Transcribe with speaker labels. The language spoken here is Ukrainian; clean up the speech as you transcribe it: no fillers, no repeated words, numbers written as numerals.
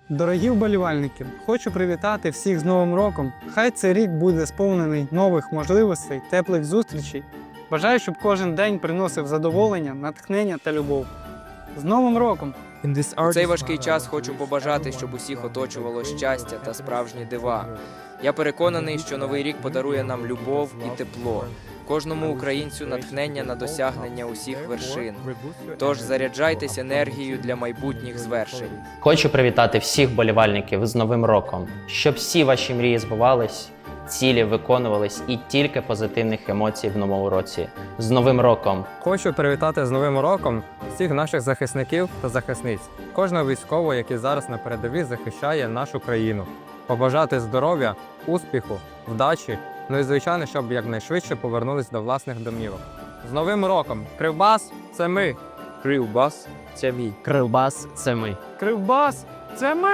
Speaker 1: Дорогі вболівальники, хочу привітати всіх з Новим роком. Хай цей рік буде сповнений нових можливостей, теплих зустрічей. Бажаю, щоб кожен день приносив задоволення, натхнення та любов. З Новим роком!
Speaker 2: У цей важкий час хочу побажати, щоб усіх оточувало щастя та справжні дива. Я переконаний, що Новий рік подарує нам любов і тепло, кожному українцю натхнення на досягнення усіх вершин. Тож заряджайтесь енергією для майбутніх звершень.
Speaker 3: Хочу привітати всіх вболівальників з Новим роком, щоб всі ваші мрії збувались, цілі виконувались і тільки позитивних емоцій в новому році. З Новим роком!
Speaker 4: Хочу привітати з Новим роком всіх наших захисників та захисниць, кожного військового, який зараз на передовій захищає нашу країну. Побажати здоров'я, успіху, вдачі, ну і звичайно, щоб якнайшвидше повернулись до власних домівок. З Новим роком! Кривбас – це ми!
Speaker 2: Кривбас – це мій.
Speaker 3: Кривбас – це ми!
Speaker 1: Кривбас – це ми!